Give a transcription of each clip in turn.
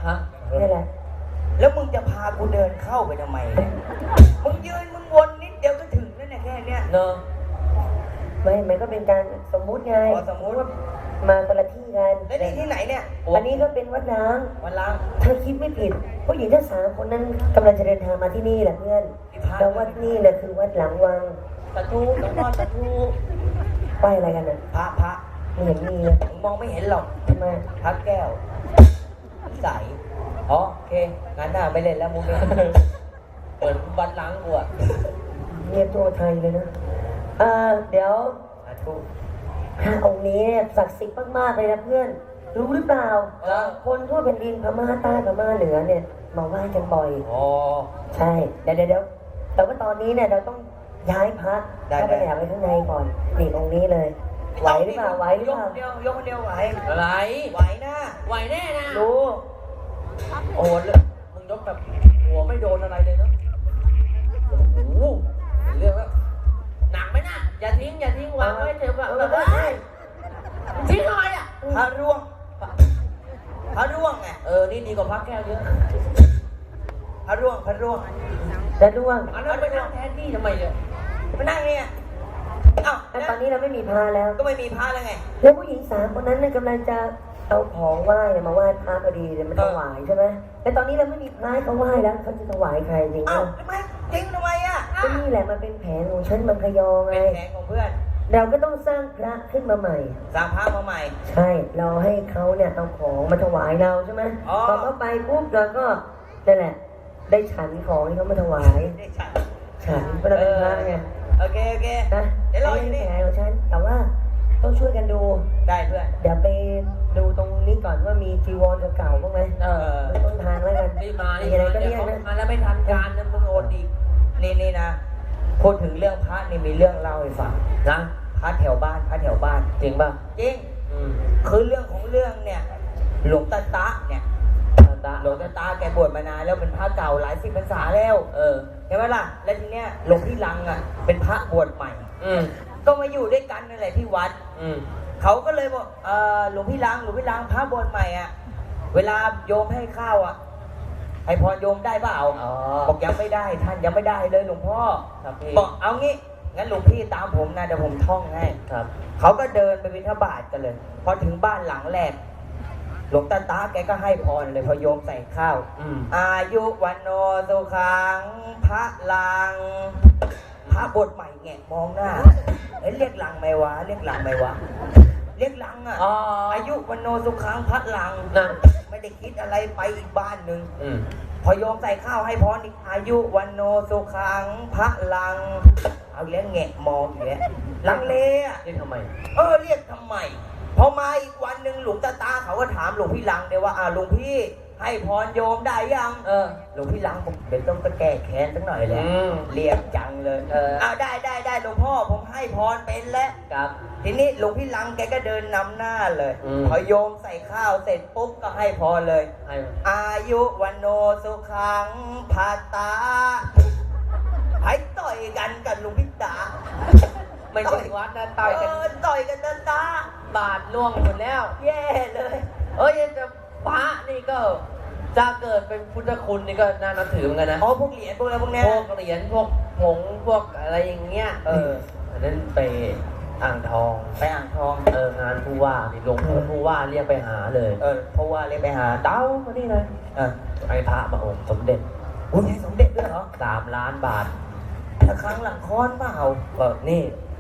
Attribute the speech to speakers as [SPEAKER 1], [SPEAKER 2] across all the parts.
[SPEAKER 1] ฮะ
[SPEAKER 2] นี่แหละ
[SPEAKER 3] แล้วมึงจะพากูเดินเข้าไปทำไมเนี่ยมึงยืนมึงวนนิดเดียวก็ถึงแล้วเนี่ยแค่เนี้ย
[SPEAKER 1] เนอะ
[SPEAKER 2] ไม่มันก็เป็นการสมมุติไง
[SPEAKER 3] อ๋อสมมุติ
[SPEAKER 2] ว่ามาคนละที่กัน
[SPEAKER 3] แล้วนี่ที่ไหนเนี่ย
[SPEAKER 2] อันนี้ก็เป็นวัดล้าง
[SPEAKER 3] วันล้าง
[SPEAKER 2] ถ้าคิดไม่ผิดผู้หญิงทั้ง3 คนนั้นกำลังจะเดินทางมาที่นี่แหละเพื่อนแล้ววัดนี่แหละคือวัดหลังวัง
[SPEAKER 1] สาธุหลวงพ่อสาธุ
[SPEAKER 2] ป้ายอะไรกันน่ะ
[SPEAKER 3] พระ
[SPEAKER 2] ไม่เห็นมีเลย
[SPEAKER 3] มึงมองไม่เห็นหรอก
[SPEAKER 2] ทำไม
[SPEAKER 3] พระแก้วใสอ๋อโอเคงานหน้าไม่เล่นแล้วมึงเนี่ย
[SPEAKER 1] เหมือนวัดล้างกูอะ
[SPEAKER 2] เรียกตัวไทยเลยนะเดี๋ยว
[SPEAKER 3] สาธุ
[SPEAKER 2] พระองค์นี้เนี่ยศักดิ์สิทธิ์มากๆเลยนะเพื่อน รู้หรือเปล่า คนทั่วแผ่นดินพม่าใต้พม่าเหนือเนี่ยมาไหว้กันบ่อย
[SPEAKER 3] อ๋อ
[SPEAKER 2] ใช่ เดี๋ยวแต่ว่าตอนนี้เนี่ยเราต้องย้ายพระ
[SPEAKER 3] ได้
[SPEAKER 2] เข้าไปแอบไว้ข้างในก่อนนี่องค์นี้เลย ไหวหรือเปล่าไหวหรือเปล่า
[SPEAKER 3] ยกคนเดียวไหว
[SPEAKER 1] อะไร
[SPEAKER 3] ไหวนะ
[SPEAKER 1] ไหวแน่นะ
[SPEAKER 3] รู้
[SPEAKER 1] โอ้โหเลยมึงยกแบบหัวไม่โดนอะไรเลยเนาะโอ้โหเรื่องแล้วหนักไหมน่ะอย่าทิ้งวางไว้เถอะแบบเฮ้ยทิ้งทำไมอ่ะ
[SPEAKER 3] พระร่วงพระร่วงไง
[SPEAKER 1] นี่ดีกว่าพักแก้วเยอะ
[SPEAKER 3] พระร่วง
[SPEAKER 2] แล้วด้วง
[SPEAKER 1] อันนั้นไปนั่งแทนที่ทำไมเนี่ย
[SPEAKER 3] มานั่งเนี่ยเอ้า
[SPEAKER 2] แต่ตอนนี้เราไม่มีพระแล้ว
[SPEAKER 3] ก็ไม่มีพระแล้วไง
[SPEAKER 2] แล้วผู้หญิง3 คนนั้นเนี่ยกำลังจะเอาของไหว้มาไหว้พระพอดีเลยมันถวายใช่ไหมแต่ตอนนี้เราไม่มีพระให้เขาไหว้แล้วเขาจะถวายใครจริง
[SPEAKER 3] เอ้า
[SPEAKER 2] ไหม
[SPEAKER 3] ทำไมทิ้งทำไมอ่ะ
[SPEAKER 2] ก็นี่แหละมันเป็นแผนของฉันมังคยอไง
[SPEAKER 3] เป็นแผนของเพื่อน
[SPEAKER 2] เราก็ต้องสร้างพระขึ้นมาใหม่
[SPEAKER 3] สร้างพระมาใหม่
[SPEAKER 2] ใช่ เราให้เขาเนี่ยเอาของมาถวายเราใช่ไหม
[SPEAKER 3] อ๋อ
[SPEAKER 2] พอเขาไปปุ๊บเราก็นั่นแหละ ได้ฉันของที่เขามาถวาย
[SPEAKER 3] ได้ฉัน
[SPEAKER 2] ฉันก็เราเป็นพระไง
[SPEAKER 3] โอเค
[SPEAKER 2] นะ
[SPEAKER 3] เดี๋ยวรอ
[SPEAKER 2] อั
[SPEAKER 3] อน ยู่
[SPEAKER 2] นี้
[SPEAKER 3] นี่
[SPEAKER 2] แผนของฉัน แต่ว่าต้องช่วยกันดู
[SPEAKER 3] ได้เพื่อน
[SPEAKER 2] เดี๋ยวไปดูตรงนี้ก่อนว่ามีจีวรเก่าๆบ้างไหมไม่ต้องทางแล้วกัน
[SPEAKER 1] รีบมา
[SPEAKER 2] มีอะไรก็
[SPEAKER 1] เดี๋
[SPEAKER 2] เรี
[SPEAKER 1] ย
[SPEAKER 2] ยว ก
[SPEAKER 1] เขา
[SPEAKER 2] นะ
[SPEAKER 1] มาแล้วไม่ทันการนะมึงโอนอีก
[SPEAKER 3] นี่นะ พูดถึงเรื่องพระนี่มีเรื่องเล่าให้ฟัง
[SPEAKER 1] นะ
[SPEAKER 3] พระแถวบ้าน
[SPEAKER 1] จริงป่ะ
[SPEAKER 3] จริง
[SPEAKER 1] อืม
[SPEAKER 3] คือเรื่องของเรื่องเนี่ย หลวงตาตะเนี่ย หลวงตาตาแกบวชมานานแล้วเป็นพระเก่าหลายสิบพรรษาแล้วใช่ไหมล่ะ แล้วทีเนี้ยหลวงพี่ลังอ่ะเป็นพระบวชใหม่ ก็มาอยู่ด้วยกันนั่นแหละที่วัด เขาก็เลยบอกหลวงพี่ลังพระบวชใหม่อ่ะ เวลาโยมให้ข้าวอ่ะ ให้พรโยมได้เปล่าบอกยังไม่ได้ท่านยังไม่ได้เลยหลวงพ่อ
[SPEAKER 1] ครับพี่
[SPEAKER 3] บอกเอางี้งั้นหลวงพี่ตามผมนะเดี๋ยวผมท่องให้
[SPEAKER 1] ครับ
[SPEAKER 3] เขาก็เดินไปบิณฑบาตกันเลย พอถึงบ้านหลังแรก หลวงตาตาแกก็ให้พรเลยพอโยมใส่ข้าว อายุวันโนสุขังพระลัง พระบทใหม่แงะมองหน้าเรียกลังไหมวะเรียกลังอ่ะอายุวันโนสุขังพระลัง
[SPEAKER 1] นั่น
[SPEAKER 3] ไม่ได้คิดอะไรไปอีกบ้านหนึ่งพอโยมใส่ข้าวให้พรอีกอายุวันโนสุขังพระลัง เอาอีกแล้วแงะมองอีกแล้วลังเลอ่ะ
[SPEAKER 1] นี่ทำไม
[SPEAKER 3] เรียกทำไม พอมาอีกวันหนึ่งหลวงตาตาเขาก็ถามหลวงพี่ลังเนี่ยว่าหลวงพี่ให้พรโยมได้ยังหลวงพี่ลังผมเดี๋ยวต้องไปแก้แค้นสักหน่อยแหละเรียกจังเลยได้หลวงพ่อผมให้พรเป็นแล้ว
[SPEAKER 1] ครับ
[SPEAKER 3] ทีนี้หลวงพี่ลังแกก็เดินนำหน้าเลยพอโยมใส่ข้าวเสร็จปุ๊บก็ให้พรเลย
[SPEAKER 1] ให้
[SPEAKER 3] อายุวันโนสุขังภาตาให้ต่อยกันกับหลวงพี่ตา
[SPEAKER 1] ไม่ใช่วัดนะต่อยกัน
[SPEAKER 3] ต่อยกันตา
[SPEAKER 1] บาทล่วงหมดแล้ว
[SPEAKER 3] แย่เลย
[SPEAKER 1] จะพระนี่ก็จะเกิดเป็นพุทธคุณนี่ก็น่านับถือเหมือนกันนะ
[SPEAKER 3] พวกเหรียญพวกอะไรพวกเนี้ย
[SPEAKER 1] พวกเหรียญพวกผงพวกอะไรอย่างเงี้ยอันนั้นไปอ่างทอง
[SPEAKER 3] ไปอ่างทอง
[SPEAKER 1] งานผู้ว่านี่ลงผู้ว่าเรียกไปหาเลย
[SPEAKER 3] เพราะว่าเลยไปหา
[SPEAKER 1] เต้ามานี่เลยไอ้พระมาองค์สมเด็จ
[SPEAKER 3] อุ้ยสมเด็จด้วยเหรอ
[SPEAKER 1] 3 ล้านบาท
[SPEAKER 3] ละครั้งหลังค้อนเปล่า
[SPEAKER 1] นี่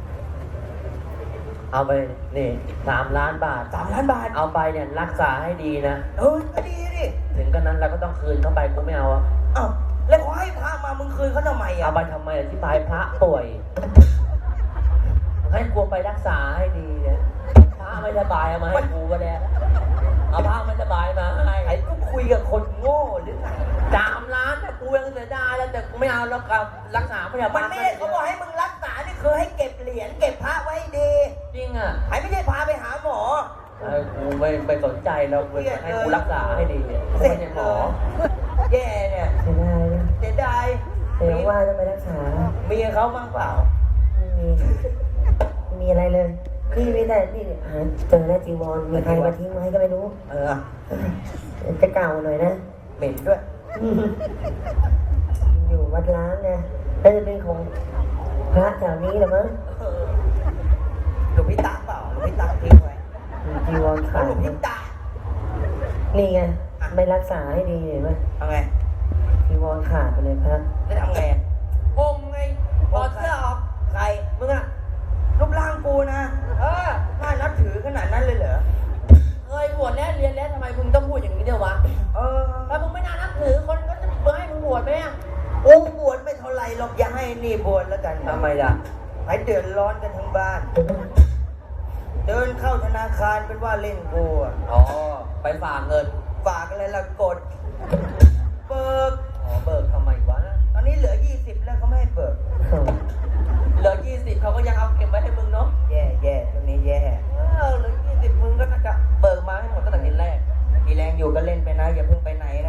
[SPEAKER 1] เอาไปนี่3 ล้านบาท
[SPEAKER 3] 3 ล้านบาท
[SPEAKER 1] เอาไปเนี่ยรักษาให้ดีนะ
[SPEAKER 3] ก็ดีดิ
[SPEAKER 1] ถึงกันนั้นเราก็ต้องคืนเข้าไปกูไม่เอาอะ
[SPEAKER 3] แล้วขอให้พระมามึงคืนเขาทำไม
[SPEAKER 1] เอาไปทำไมอธิบายพระป่วย ให้กูไปรักษาให้ดีเนี่ยพระไม่สบายเอามาให้กูก็ได้เอาพระไม่สบายมาให้
[SPEAKER 3] ไอ้ก็คุยกับคนโง่หรือไง
[SPEAKER 1] 3 ล้านแต่กูยังเสียดายแล้วแต่กูไม่เอาแล้วกับรักษาพยา
[SPEAKER 3] มั
[SPEAKER 1] บาน ล
[SPEAKER 3] ไม่ได้เขาบอกให้มึงรักษานี่คือให้เก็บเหรียญเก็บพระไว้ให้ดี
[SPEAKER 1] จริงอ่ะ
[SPEAKER 3] ไม่ใช่พาไปหาหมอ
[SPEAKER 1] กูไม่สนใจแล้วให้กูรักษาให้ดีเนี่ยกูไม่ใช่หมอ
[SPEAKER 3] แย่เนี่ย
[SPEAKER 2] เสียดายนะ
[SPEAKER 3] เสียดาย
[SPEAKER 2] แต่ยังว่าต้องไปรักษา
[SPEAKER 3] เมียเขามั่งเปล่า
[SPEAKER 2] ไม่มีอะไรเลย
[SPEAKER 3] ค
[SPEAKER 2] พี่ไม่ได้พี่หาเจอแล้วจีวรมีใครมาทิ้งไว้ก็ไม่รู้ จะเก่าหน่อยนะ
[SPEAKER 3] เหม็นด้วย
[SPEAKER 2] อยู่วัดล้างไงน่าจะเป็นของพระแถวนี้แหละมั้ง
[SPEAKER 3] หลวงพี่ตาเปล่าหลวงพี่ตาทิ้งไว้
[SPEAKER 2] จีวรขาด
[SPEAKER 3] หลวงพี่ตา
[SPEAKER 2] นี่ไงไม่รักษาให้ดีเห็นไหม
[SPEAKER 3] ทำไง
[SPEAKER 2] จีวรขาดไปเลยพระ
[SPEAKER 3] จะทำไง
[SPEAKER 1] ผมไงถอดเสื้อออก
[SPEAKER 3] ใคร
[SPEAKER 1] มึงอะ
[SPEAKER 3] รูปร่างกูนะ น่านับถือขนาดนั้นเลยเหรอ
[SPEAKER 1] เคยบวชแล้วเรียนแล้วทำไมมึงต้องพูดอย่างนี้เดียววะ ถ้ามึงไม่น่านับถือคนก็จะมาให้มึงบวชไหมอะ
[SPEAKER 3] โอ้บวชไม่เท่าไรหรอกอย่าให้นี่บวชแล้วกัน
[SPEAKER 1] ทำไมล่ะ
[SPEAKER 3] ให้เดือดร้อนกันทั้งบ้าน เดินเข้าธนาคารเป็นว่าเล่นกูอะ
[SPEAKER 1] อ๋อ ไปฝากเงิน
[SPEAKER 3] ฝากอะไรละกด เบิก
[SPEAKER 1] อ๋อ เบิกทำไมวะ
[SPEAKER 3] ตอนนี้เหลือ 20 แล้วเขาไม่ให้เบิก
[SPEAKER 1] เหลือ20เขาก็ยังเอาเก็บไว้ให้มึงเนาะ
[SPEAKER 3] แย่ตรงนี้แย่
[SPEAKER 1] เหลือ20มึงก็น่าจะเบิกมาให้หมดตั้งแต่ทีแรก
[SPEAKER 3] มีแรงอยู่ก็เล่นไปนะ อย่าเพิ่งไปไหนนะ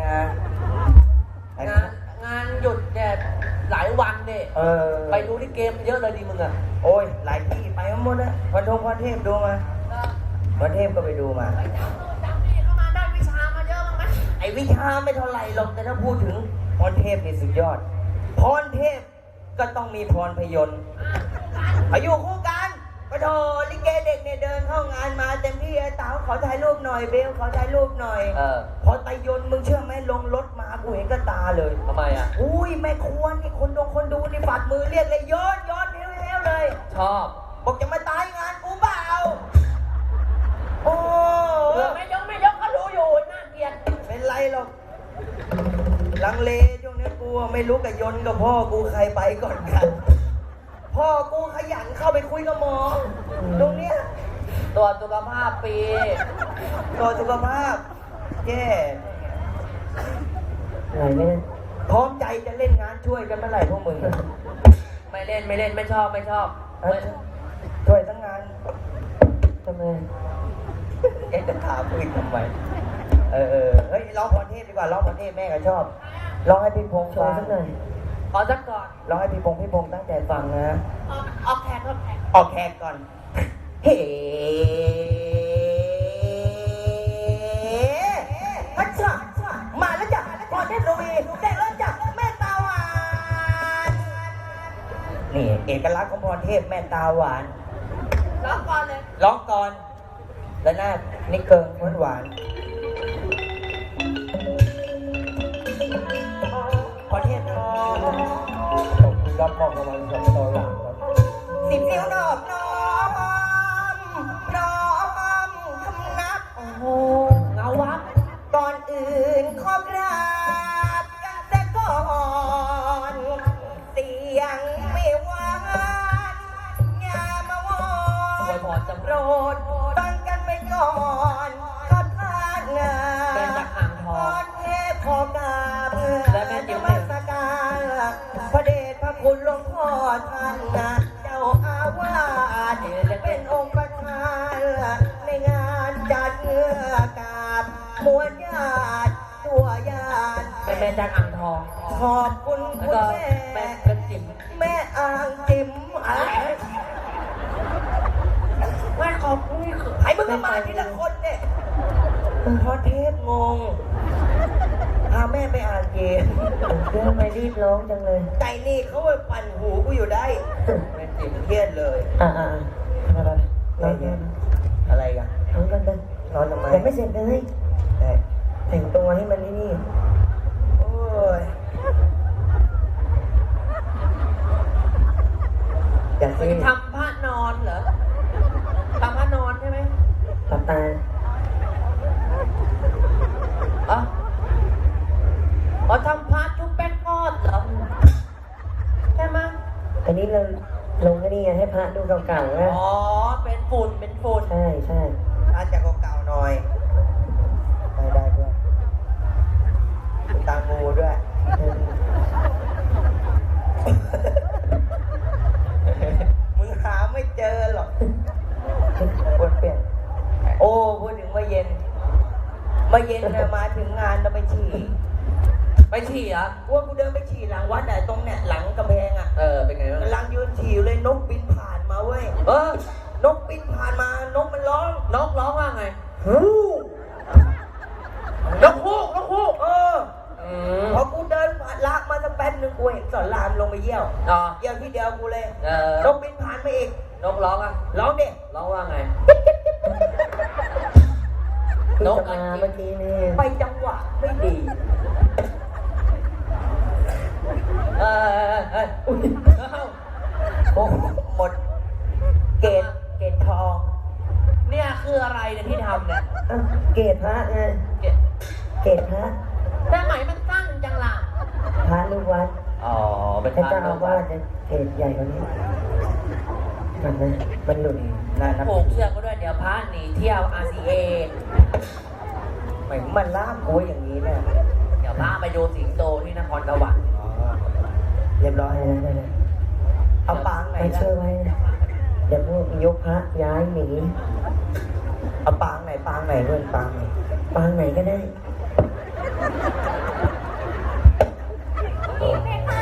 [SPEAKER 1] งานหยุดเนี่ยหลายวันเนี่ย ไปดูที่เกมเยอะเลยดีมึงอะ
[SPEAKER 3] โอ้ยหลายที่ไปมาหมดแล้วพรเทพดูมาพรเทพก็ไปดูมา
[SPEAKER 1] จำนี่เข้ามาได้วิชามาเยอะมั้งไหม
[SPEAKER 3] ไอ้วิชาไม่เท่าไหร่หรอกแต่ถ้าพูดถึงพรเทพนี่สุดยอด พรเทพก็ต้องมีพรพยนต์อายุคู่กันปะโถลิเกเด็กเนี่ยเดินเข้างานมาเต็มที่ไอ้เต๋าขอถ่ายรูปหน่อยเบลขอถ่ายรูปหน่อย พอไตยนต์มึงเชื่อไหมลงรถมากูเห็นกับตาเลย
[SPEAKER 1] ทำไมอะ
[SPEAKER 3] อุ้ยแม่ครัวนี่คนดูนี่ฝัดมือเรียกเลยย้อนเฮวๆเลย
[SPEAKER 1] ชอบ
[SPEAKER 3] บอกจะมาตายงานกูเปล่าโอ้
[SPEAKER 1] เผื่อไม่ยกก็รู้อยู่น่าเกลียด
[SPEAKER 3] เป็นไรหรอกลังเลช่วงนี้กูไม่รู้กับยนต์กับพ่อกูใครไปก่อนกัน พ่อกูขยันเข้าไปคุยกับหมอตรงเนี้ย
[SPEAKER 1] ตรวจสุขภาพปี
[SPEAKER 3] ตัวสุขภาพแย่
[SPEAKER 2] ไหนไม่ได้
[SPEAKER 3] พร้อมใจจะเล่นงานช่วยกันเมื่อไหร่พวกมึง
[SPEAKER 1] ไม่เล่นไม่ชอบ
[SPEAKER 3] ช่วยทั้งงาน
[SPEAKER 2] ทำไม
[SPEAKER 3] จะถามกูอีกทำไมเฮ้ยร้องพรเทพดีกว่าร้องพรเทพแม่ก็ชอบร้องให้พี่พงษ์
[SPEAKER 2] ช่วย
[SPEAKER 3] ฟัง
[SPEAKER 2] สักหน่อย
[SPEAKER 1] ขอสักก่อน
[SPEAKER 3] ร้องให้พี่พงษ์ตั้งใจฟังนะ
[SPEAKER 1] ออกแขก
[SPEAKER 3] ออกแขกก่อน เฮ้พัชชะมาแล้วจ้ะพรเทพโรวีได้แล้วจ้ะแม่ตาหวานนี่เอกลักษณ์ของพรเทพแม่ตาหวาน
[SPEAKER 1] ร้องก่อนเลย
[SPEAKER 3] ร้องก่อน แล้วหน้านี่เกิงหวานพรเทพนะ
[SPEAKER 4] ผมรับมอบรางวัลจากตอหลังครับ
[SPEAKER 3] 10 นิ้วนอบน้อมคำนับ
[SPEAKER 1] โอ้โหเงาวับ
[SPEAKER 3] ก่อนอื่นขอกราบกันแต่ก่อน เสียงไม่หวานอย่ามาวอ
[SPEAKER 1] อวยพรจำ
[SPEAKER 3] โปรดฟังกันไปก่อนขอทานงา
[SPEAKER 1] เป็นจากอ่างทอง
[SPEAKER 3] เทพขอกราบนมัสการพระเดชพระคุณหลวงพ่อท่านนะเจ้าอาวาสเป็นองค์ประธานในงานจัดเงือกาบมวลญาติตัวญาติ
[SPEAKER 1] เป็นแม่จากอ่างทอง
[SPEAKER 3] ขอบคุณ
[SPEAKER 1] แล้ว
[SPEAKER 3] คุณ
[SPEAKER 1] ก็
[SPEAKER 3] แม่
[SPEAKER 1] แม่เป็นจิ๋ม
[SPEAKER 3] แม่อ่างจิ๋มอะไร
[SPEAKER 1] แม่ขอบคุณ
[SPEAKER 3] ไอ้มึงก็มาทีละคนเนี่ยพอเทพงงพาแม่ไปอ่านเกม
[SPEAKER 2] เรื่องไม่รีบร้องจังเลย
[SPEAKER 3] ใจนี่เขาไปปั่นหูกูอยู่ได้แม่จิ๋มเครียดเลย
[SPEAKER 2] อะไรร้องกัน
[SPEAKER 3] อะไรกัน
[SPEAKER 2] ร้องกันไป
[SPEAKER 3] นอนทำไม
[SPEAKER 2] ยังไม่เสร็จเลย
[SPEAKER 3] แต่
[SPEAKER 2] แต่งตัวให้มันนี่
[SPEAKER 3] โอ้ยอย่า
[SPEAKER 1] มึ
[SPEAKER 3] ซี
[SPEAKER 1] งทำผ้านอนเหรอทำผ้านอนใช่ไหม
[SPEAKER 2] หลับตา
[SPEAKER 1] อ๋อทำผ้าชุบแป้งทอดเหรอใช่ไหม
[SPEAKER 2] อันนี้เราลงก็นี่ไงให้พระดูเก่าๆนะ
[SPEAKER 1] อ๋อเป็นฝุ่น
[SPEAKER 2] ใช่ใช่
[SPEAKER 3] อาจจะเก่าๆหน่อยได้ด้วยมีตางูด้วย มึงหาไม่เจอหรอกกดเปลี่ยน โอ้พูดถึงเมื่อเย็นเนี่ยมาถึงงานเราไปฉี่
[SPEAKER 1] ไปฉี่เหรอ
[SPEAKER 3] ว่ากูเดินไปฉี่หลังวัดไหนตรงเนี่ยหลังกำแพงอ่ะ
[SPEAKER 1] เป็นไงบ้าง
[SPEAKER 3] กำลังยืนฉี่อยู่เลยนกบินผ่านมาเว้ย
[SPEAKER 1] เออ
[SPEAKER 3] นกบินผ่านมานกมันร้อง
[SPEAKER 1] นกร้องว่าไง
[SPEAKER 3] ฮู้
[SPEAKER 1] นกฮูกนกฮูก
[SPEAKER 3] พอกูเดินผ่านลากมาสักแป๊บนึงกูเห็นสอนรามลงไปเยี่ยว
[SPEAKER 1] อ๋อ
[SPEAKER 3] เยี่ยวที่เดียวกูเลย
[SPEAKER 1] เออน
[SPEAKER 3] กบินผ่านไปอีก
[SPEAKER 1] นกร้องอ่ะ
[SPEAKER 3] ร้องเด็ก
[SPEAKER 1] ร้องว่าไง
[SPEAKER 2] ที่
[SPEAKER 1] นก
[SPEAKER 2] จะมาเมื่อกี้นี่
[SPEAKER 3] ไปจังหวะไม่ดี
[SPEAKER 1] อุ้ย
[SPEAKER 3] โอ้โหหมดเกตทอง
[SPEAKER 1] เนี่ยคืออะไรเนี่ยที่ทำเนี่ย
[SPEAKER 2] อ้าวเกศพระไง
[SPEAKER 1] เกะ
[SPEAKER 2] เกศพระ
[SPEAKER 1] แต่ไหมมันสั้นจังล่ะ
[SPEAKER 2] พระลูกวัด
[SPEAKER 1] อ๋อ เป็น
[SPEAKER 2] พระ
[SPEAKER 1] พระ
[SPEAKER 2] เจ้าอาวาสจะเกศใหญ่กว่านี้มันนะมันหลุด
[SPEAKER 3] นั่นนะ
[SPEAKER 1] ผูกเชือกก็ด้วยเดี๋ยวพระหนีเที่ยว RCA
[SPEAKER 3] เหมือนมันล่ามกูอย่างนี้เนี่ย
[SPEAKER 1] เดี๋ยวพระไปดูสิงโตที่นครสวรรค์
[SPEAKER 3] เรียบร้อย
[SPEAKER 2] ได้ได้
[SPEAKER 3] เอาปางไหน
[SPEAKER 2] ไป
[SPEAKER 3] ล่ะ
[SPEAKER 2] ช่วยไว้นะเดี๋ยวพวกยกพระย้ายหนี
[SPEAKER 3] เอาปางไหนเพื่อนปางไหน
[SPEAKER 2] ปางไหนก็ได้
[SPEAKER 3] ป